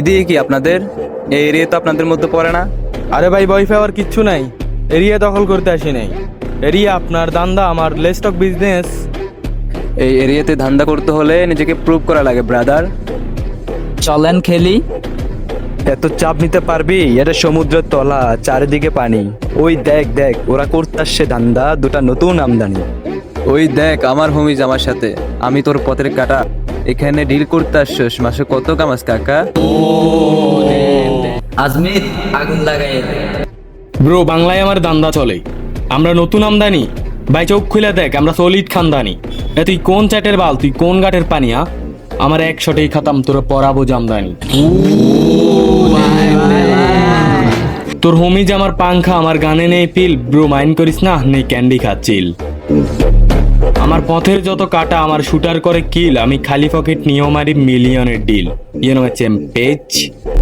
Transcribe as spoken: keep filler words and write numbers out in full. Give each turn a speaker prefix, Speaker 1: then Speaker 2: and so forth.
Speaker 1: এদিকে কি আপনাদের? এই এরিয়া তো আপনাদের মধ্যে পড়ে না।
Speaker 2: আরে ভাই ভয় পাওয়ার কিচ্ছু নাই, এরিয়া দখল করতে আসি নাই। এরিয়া আপনার, দান্দা আমার, লেস্টক বিজনেস।
Speaker 1: এই এরিয়াতে ধান্দা করতে হলে নিজেকে প্রুভ করা লাগে ব্রাদার।
Speaker 3: চলেন খেলি।
Speaker 1: এত চাপ নিতে পারবি? এটা সমুদ্রের তলা, চারিদিকে পানি। ওই দেখ দেখ ওরা করতে আসছে ধান্দা, দুটা নতুন আমদানি। ওই দেখ আমার হোমিজ আমার সাথে, আমি তোর পথের কাটা। এখানে ডিল করতে আসছিস, মাসে কত কামাস কাকা?
Speaker 3: আজমির আগুন লাগাই।
Speaker 2: ব্রো বাংলায় আমার দান্দা চলে, আমরা নতুন আমদানি। ভাই চোখ খুলে দেখ, আমরা সলিড খানদানি। এ তুই কোন চ্যাটের বাল, তুই কোন গাটের পানিয়া? আমার একশোটাই খাতাম, তোর পরাবো জামদানি। তোর হোমিজ আমার পাংখা, আমার গানে নেই ফিল। ব্রো মাইন্ড করিস না, নেই ক্যান্ডি খাচ্ছিল। আমার পথের যত কাটা, আমার শুটার করে কিল। আমি খালি পকেট নিয়েও মারি মিলিয়নের ডিল। You know page.